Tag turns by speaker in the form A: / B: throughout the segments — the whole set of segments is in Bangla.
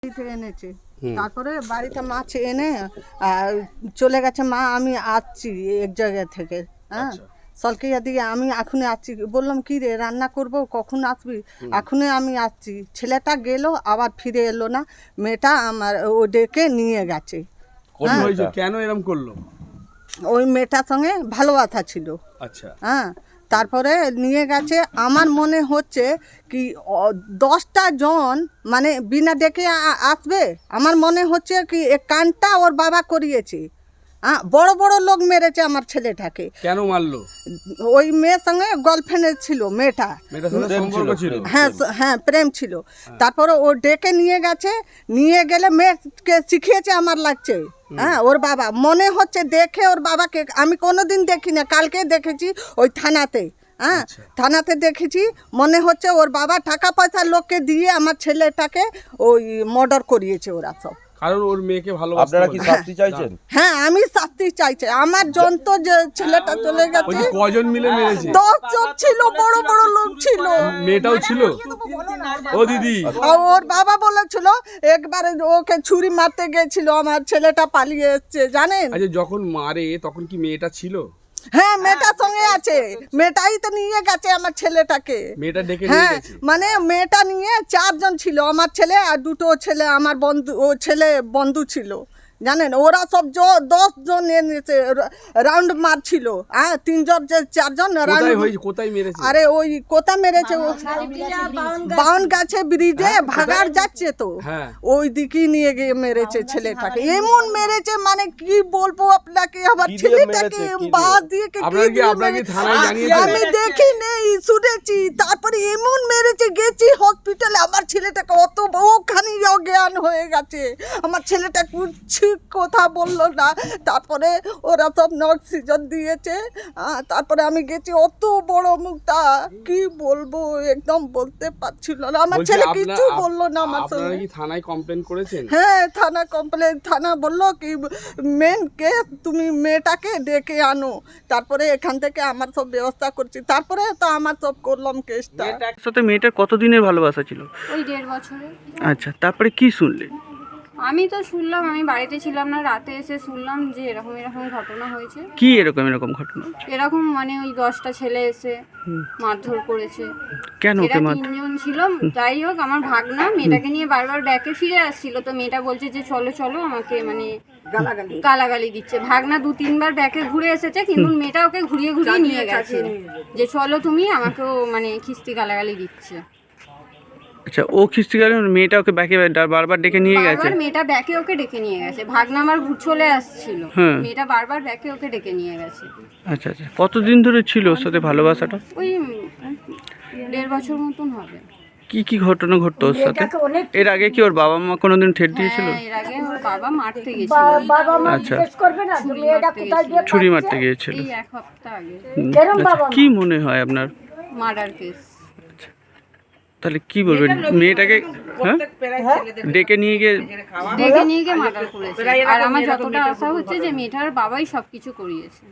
A: এনেছে তারপরে বাড়িতে মাছ এনে চলে গেছে মা আমি আসছি এক জায়গা থেকে হ্যাঁ সলকিয়া দিয়ে আমি এখনই আসছি বললাম কি রে রান্না করব কখন আসবি এখনই আমি আসছি ছেলেটা গেল আবার ফিরে এলো না মেয়েটা আমার ও ডেকে নিয়ে গেছে
B: কেন এরকম করলো
A: ওই মেয়েটার সঙ্গে ভালোবাসা ছিল
B: আচ্ছা
A: হ্যাঁ তারপরে নিয়ে গেছে আমার মনে হচ্ছে কি 10টা জন মানে বিনা ডেকে আসবে আমার মনে হচ্ছে কি কানটা ওর বাবা করিয়েছে বড় বড় লোক মেরেছে আমার ছেলেটাকে
B: কেন মারলো
A: ওই মেয়ের সঙ্গে গার্লফ্রেন্ড ছিল মেয়েটা হ্যাঁ হ্যাঁ প্রেম ছিল তারপরে ও ডেকে নিয়ে গেছে নিয়ে গেলে মেয়েকে শিখিয়েছে আমার লাগছে হ্যাঁ ওর বাবা মনে হচ্ছে দেখে ওর বাবাকে আমি কোনোদিন দেখি না কালকে দেখেছি ওই থানাতে হ্যাঁ থানাতে দেখেছি মনে হচ্ছে ওর বাবা টাকা পয়সা লোককে দিয়ে আমার ছেলেটাকে ওই মার্ডার করিয়েছে ওরা সব
B: কারণ ওর মেয়েকে ভালোবাসে
C: আপনারা কি শাস্তি চাইছেন
A: হ্যাঁ আমি শাস্তি চাইছি আমার জন্ত যে ছেলেটা চলে গেছে
B: কজন মিলে মেরেছে
A: 10 জন ছিল বড় বড় লোক ছিল
B: মেয়েটাও ছিল ও দিদি
A: ওর বাবা বলেছিল একবার ওকে ছুরি মারতে গেছিল আমার ছেলেটা পালিয়ে এসেছে জানেন
B: আচ্ছা যখন মারে তখন কি মেয়েটা ছিল
A: হ্যাঁ মেয়েটার সঙ্গে আছে মেয়েটাই তো নিয়ে গেছে আমার ছেলেটাকে
B: মেয়েটা ডেকে নিয়ে
A: হ্যাঁ
B: গেছে
A: মানে মেয়েটা নিয়ে 4 জন ছিল আমার ছেলে আর 2টো ছেলে আমার বন্ধু ও ছেলে বন্ধু ছিল জানেন ওরা সব 10 জন এনেছে রাউন্ড মারছিল হ্যাঁ 3 জন 4 জন
B: কোথায় মেরেছে
A: আরে ওই কোথা মেরেছে বাউন গাছে ব্রিজে ভাগার যাচ্ছে তো ওই দিকে নিয়ে গিয়ে মেরেছে ছেলেটাকে এমন মেরেছে মানে কি বলবো আপনাকে আমার ছেলেটাকে বাস দিয়ে আমি দেখি নেই শুনেছি তারপরে এমন মেরেছে গেছি হসপিটালে আমার ছেলেটাকে অত ওখানে অজ্ঞান হয়ে গেছে আমার ছেলেটা কুচ্ছি কথা বললো না তারপরে ওরা সব অক্সিজেন দিয়েছে তারপরে আমি গেছি অত বড় মুখটা কি বলবো একদম বলতে পারছিল না আমার ছেলে কিছু বললো না আমার সঙ্গে
B: আপনারা কি থানায় কমপ্লেন করেছেন
A: হ্যাঁ থানা বললো কি মেন কেস তুমি মেয়েটাকে ডেকে আনো তারপরে এখান থেকে আমার সব ব্যবস্থা করছি তারপরে তো আমার সব করলাম কেসটা
D: সাথে মেয়েটার কতদিনের ভালোবাসা ছিল
E: ওই 1.5 বছরের
D: আচ্ছা তারপরে কি শুনলে
E: আমি তো শুনলাম আমি বাড়িতে ছিলাম না রাতে এসে শুনলাম যে এরকম ঘটনা হয়েছে
D: কি এরকম ঘটনা
E: এরকম মানে ওই 10টা ছেলে এসে মারধর করেছে
D: কেন
E: এরা 3 জন ছিল যাই হোক আমার ভাগনা মেয়েটাকে নিয়ে বারবার ব্যাকে ফিরে আসছিল তো মেয়েটা বলছে যে চলো আমাকে মানে গালাগালি দিচ্ছে ভাগনা 2-3 বার ব্যাকে ঘুরে এসেছে কিন্তু মেয়েটা ওকে ঘুরিয়ে নিয়ে গেছে যে চলো তুমি আমাকেও মানে খিস্তি গালাগালি দিচ্ছে
D: আচ্ছা ও খিস্তি গেল মেয়েটা ওকে ব্যাকে বারবার ডেকে নিয়ে গেছে
E: মেয়েটা ব্যাকে ওকে ডেকে নিয়ে গেছে ভাগনা আমার চলে আসছিল মেয়েটা বারবার ব্যাকে ওকে ডেকে নিয়ে গেছে
D: আচ্ছা কতদিন ধরে ছিল ওর সাথে ভালোবাসাটা
E: ওই 1.5 বছর মতন হবে
D: কি ঘটনা ঘটতো ওর সাথে এর আগে কি ওর বাবা মা কোনোদিন ঠেট দিয়েছিল
E: এর আগে ওর বাবা মারতে গিয়েছিল
D: আচ্ছা ছুরি মারতে গিয়েছিল
E: এই 1 সপ্তাহ আগে
D: কি মনে হয় আপনার
E: মার্ডার কেস
D: তাহলে কি বলবেন মেয়েটাকে ডেকে নিয়ে গিয়ে
E: মার্ডার করেছে আর আমার যতটা আশা হচ্ছে যে মেয়েটার বাবাই সবকিছু করিয়েছে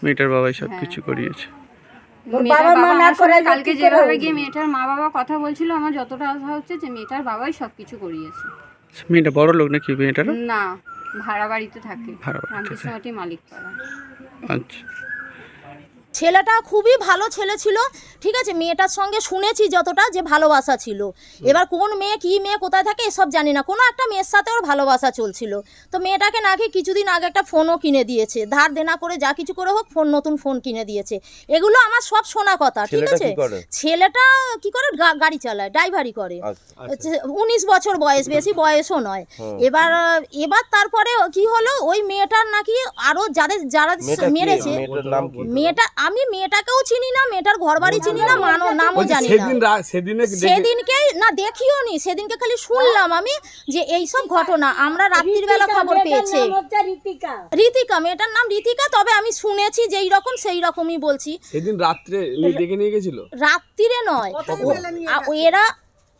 E: কালকে যেভাবে গিয়ে মেয়েটার মা বাবা কথা বলছিল আমার যতটা আশা হচ্ছে যে মেয়েটার বাবাই সবকিছু করিয়েছে
D: মেয়েটা বড় লোক নাকি মেয়েটার
E: না ভাড়া বাড়িতে থাকে রামকৃষ্ণবাটি মালিকপাড়া
D: আচ্ছা
F: ছেলেটা খুবই ভালো ছেলে ছিল ঠিক আছে মেয়েটার সঙ্গে শুনেছি যতটা যে ভালোবাসা ছিল এবার কোন মেয়ে কি মেয়ে কোথায় থাকে এসব জানি না কোনো একটা মেয়ের সাথে ওর ভালোবাসা চলছিল তো মেয়েটাকে নাকি কিছুদিন আগে একটা ফোনও কিনে দিয়েছে ধার দেনা করে যা কিছু করে হোক নতুন ফোন কিনে দিয়েছে এগুলো আমার সব শোনা কথা ঠিক আছে ছেলেটা কি করে গাড়ি চালায় ড্রাইভারি করে 19 বছর বয়স বেশি বয়সও নয় এবার তারপরে কি হলো ওই মেয়েটার নাকি আরো যারা মেরেছে আমি মেয়েটাকেও চিনি না মেয়েটার ঘর বাড়ি চিনি না নামও জানি না সেদিনকে না দেখিও নি সেদিনকে খালি শুনলাম আমি যে এই সব ঘটনা আমরা রাত্রির বেলা খবর পেয়েছি ঋতিকা মেয়েটার নাম ঋতিকা তবে আমি শুনেছি যেই রকম সেই রকমই বলছি
B: সেদিন রাত্রে ডেকে নিয়ে গেছিল
F: রাত্রিরে নয় এরা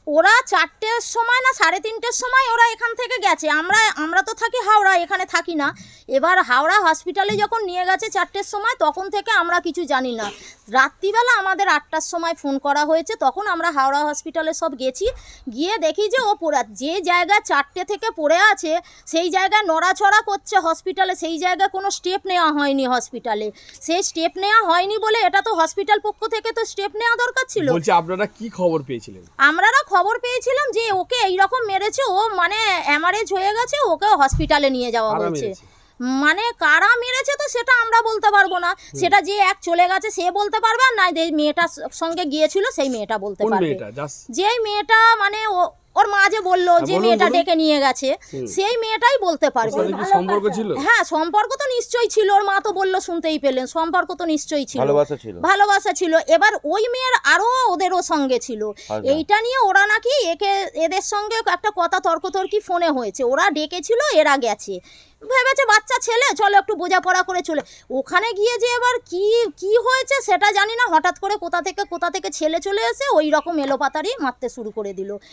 F: ওরা 4টের সময় না 3:30টের সময় ওরা এখান থেকে গেছে। আমরা তো থাকি হাওড়া, এখানে থাকি না। এবার হাওড়া হসপিটালে যখন নিয়ে গেছে 4টের সময়, তখন থেকে আমরা কিছু জানি না। রাত্রিবেলা আমাদের 8টার সময় ফোন করা হয়েছে, তখন আমরা হাওড়া হসপিটালে সব গেছি। গিয়ে দেখি যে ও যে জায়গায় 4টে থেকে পড়ে আছে সেই জায়গায় নড়াচড়া করছে হসপিটালে, সেই জায়গায় কোনো স্টেপ নেওয়া হয়নি হসপিটালে। সেই স্টেপ নেওয়া হয়নি বলে এটা তো হসপিটাল পক্ষ থেকে তো স্টেপ নেওয়া দরকার ছিল।
B: বলছি আপনারা কি খবর পেয়েছিলেন?
F: আমরা খবর পেয়েছিলাম যে ওকে এইরকম মেরেছে, ও মানে অ্যামারেজ হয়ে গেছে, ওকে হসপিটালে নিয়ে যাওয়া হয়েছে। মানে কারা মেরেছে তো সেটা আমরা বলতে পারবো না, সেটা যে এক চলে গেছে সে বলতে পারবে, আর না যে মেয়েটার সঙ্গে গিয়েছিল সেই মেয়েটা বলতে পারবে। যেই মেয়েটা মানে ওর মা যে বললো যে মেয়েটা ডেকে নিয়ে গেছে, সেই মেয়েটাই বলতে পারবে।
B: সম্পর্ক ছিল? হ্যাঁ,
F: সম্পর্ক তো নিশ্চয়ই ছিল। ওর মা তো বললো, শুনতেই পেলেন, সম্পর্ক তো নিশ্চয়ই ছিল, ভালোবাসা ছিল। এবার ওই মেয়ের আরো ওদেরও সঙ্গে ছিল। এইটা নিয়ে ওরা নাকি এদের সঙ্গে একটা কথা তর্কতর্কি ফোনে হয়েছে। ওরা ডেকেছিল, এরা গেছে, ভেবেছে বাচ্চা ছেলে, চলো একটু বোঝাপড়া করে চলে। ওখানে গিয়ে যে এবার কি হয়েছে সেটা জানি না, হঠাৎ করে কোথা থেকে ছেলে চলে এসে ওই রকম এলোপাতারি মারতে শুরু করে দিল।